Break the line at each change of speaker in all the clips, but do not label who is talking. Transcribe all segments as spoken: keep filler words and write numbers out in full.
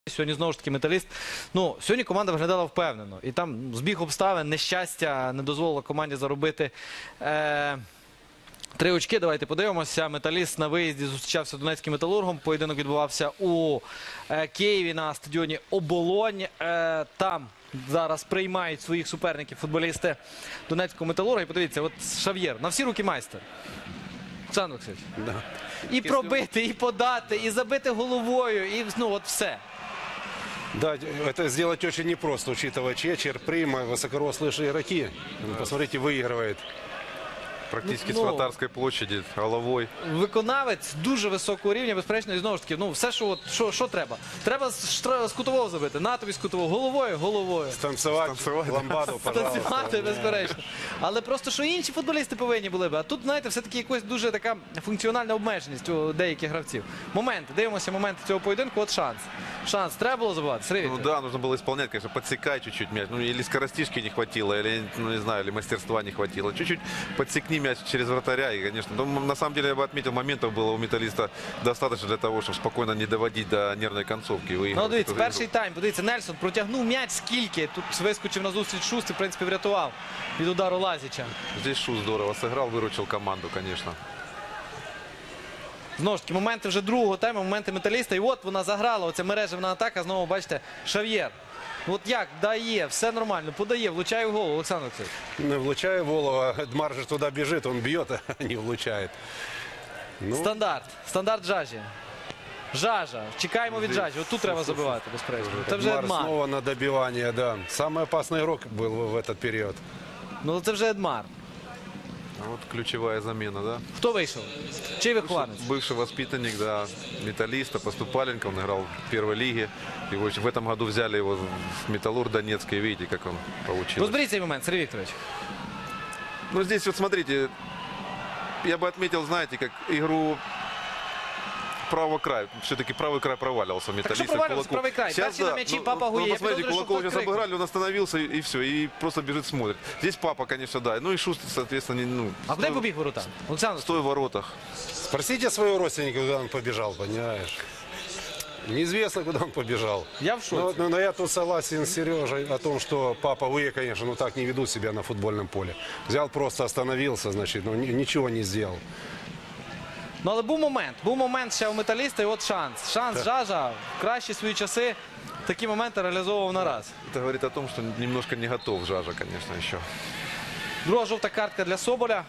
Сьогодні, знову ж таки, Металіст. Ну, сьогодні команда виглядала впевнено. І там збіг обставин, нещастя не дозволило команді заробити е, три очки. Давайте подивимося. Металіст на виїзді зустрічався з Донецьким Металургом. Поєдинок відбувався у е, Києві на стадіоні Оболонь. Е, там зараз приймають своїх суперників футболісти Донецького Металурга. І подивіться, от Шав'єр, на всі руки майстер. Олександр Олексійович.
Да.
І пробити, і подати, і забити головою, і ну от все.
Да, это сделать очень непросто, учитывая Чечер, Прима, высокорослые игроки. Ну, посмотрите, выигрывает.
Практически
Ну,
с вратарской площади, головой.
Виконавець дуже високого рівня, безперечно, і знову ж таки, ну, все, що, от, що, що треба. Треба з, штра- з кутового забити, на тобі з кутового, головою, головою.
Станцевать,
Станцевать, да.
ламбаду, пожалуйста.
Танцювати, безперечно. Але просто, що інші футболісти повинні були б. А тут, знаєте, все-таки якась дуже така функціональна обмеженість у деяких гравців. Моменти, дивимося моменти цього поєдинку, от шанс. Шанс, треба було забивати, Сергій
Ну
Вікторович?
да, нужно было исполнять, конечно, подсекать чуть-чуть мяч. Ну или скоростишки не хватило, или, ну не знаю, или мастерства не хватило. Чуть-чуть подсекни мяч через вратаря. И, конечно, ну, на самом деле я бы отметил, моментов было у Металлиста достаточно для того, чтобы спокойно не доводить до нервной концовки.
Ну, дивіться, перший тайм, подивіться, Нельсон протягнув м'яч скільки. Тут вискочив на зустріч Шуст і, в принципі, врятував від удару Лазіча.
Здесь Шу здорово сыграл, выручил команду, конечно.
Знову ж таки, моменти вже другого тайму, моменти Металіста. І от вона заграла, оця мережевна атака. Знову, бачите, Шав'єр. От як, дає, все нормально, подає, влучає в голову, Олександр Олексійович.
Ну, влучая Волова, Эдмар же туда бежит, он бьет, а не влучает. Ну,
Стандарт, стандарт Жажі. Жажа, чекаємо від Жажі, от тут треба забивати, безперечно. Це вже
Эдмар
Едмар.
снова на добивание, да. Самый опасный игрок был в этот период.
Ну це вже Едмар.
Вот ключевая замена, да?
Хто вийшов? Чий вихованець?
Бывший воспитанник, да, Металлиста, Поступаленко, он играл в первой лиге. Его в этом году взяли его в Металлург Донецкий, видите, как он получился.
Розберіть цей момент, Сергій Вікторович.
Ну, здесь вот смотрите, я бы отметил, знаете, как игру правого края. Все-таки правый край проваливался.
Так що провалювався правий край? Перший на м'ячі Папа Гує.
Ну,
Я
посмотрите,
підозрюю, що
Кулаков
хтось
сейчас
крикнув.
обыграли, он остановился и, и все. И просто бежит, смотрит. Здесь Папа, конечно, да. Ну и Шуст, соответственно, не, ну,
А куди побіг ворота? Олександр,
стой в воротах.
Спросите своего родственника, куда он побежал, понимаешь? Неизвестно, куда он побежал.
я в
Ну,
шоці.
вот, ну, но я тут согласен с Сережей о том, что Папа Гуе, конечно, ну так не ведут себя на футбольном поле. Взял, просто остановился, значит, ну ни- ничего не сделал.
Ну, але був момент. Був момент ще у Металіста, і от шанс. Шанс Жажа в кращі свої часи такі моменти реалізовував на раз.
Это говорит о том, что немножко не готов Жажа, конечно, еще.
Друга жовта картка для Соболя.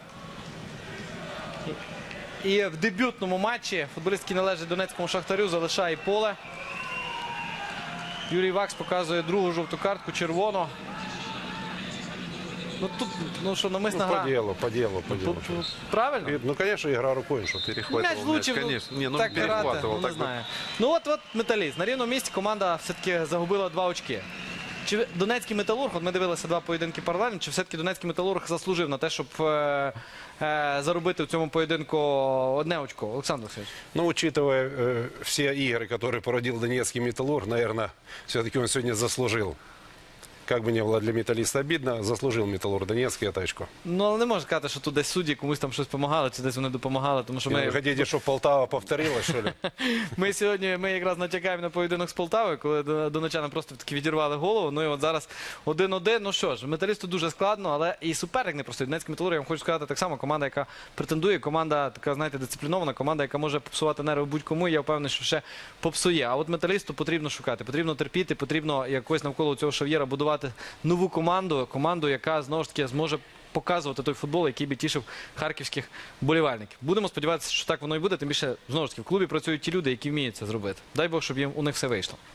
І в дебютному матчі футболіст, який належить Донецькому Шахтарю, залишає поле. Юрій Вакс показує другу жовту картку, червону. Ну тут, ну що, намисна
Ну, по
гра.
делу, по делу, по делу.
Тут- Правильно?
И, Ну, конечно, игра рукой, что ты.
Перехватывал
М'яч влучив, ну,
конечно. Не, ну
так грати,
перехватывал.
ну, не
так бы-
знаю. Ну от, от Металіст. На рівному місці команда все-таки загубила два очки. Чи Донецький Металург, от ми дивилися два поєдинки паралельно, чи все-таки Донецький Металург заслужив на те, щоб е, е, заробити в цьому поєдинку одне очко? Олександр Олексійович.
Ну, учитывая э, все игры, которые породил Донецкий Металлург, наверное, все-таки он сегодня заслужил. Как бы ни было для Металлиста обидно, заслужил Металлург Донецкий это очко.
Ну, але не можна сказати, що тут десь судді комусь там щось допомагали, чи десь вони допомагали, тому що
Вы
ми,
хотите, чтобы Полтава повторилась, что ли?
ми сьогодні ми якраз натякаємо на поєдинок з Полтавою, коли до- донечани просто таки відірвали голову. Ну і от зараз один-один. Ну що ж, Металісту дуже складно, але і суперник не простий. Донецький Металург, я вам хочу сказати, так само команда, яка претендує, команда така, знаєте, дисциплінована, команда, яка може попсувати нерви будь-кому. І я впевнений, що ще попсує. А от Металісту потрібно шукати, потрібно терпіти, потрібно якось навколо цього Шав'єра будувати нову команду, команду, яка знову ж таки зможе показувати той футбол, який би тішив харківських вболівальників. Будемо сподіватися, що так воно і буде. Тим більше, знову ж таки, в клубі працюють ті люди, які вміють це зробити. Дай Бог, щоб їм у них все вийшло.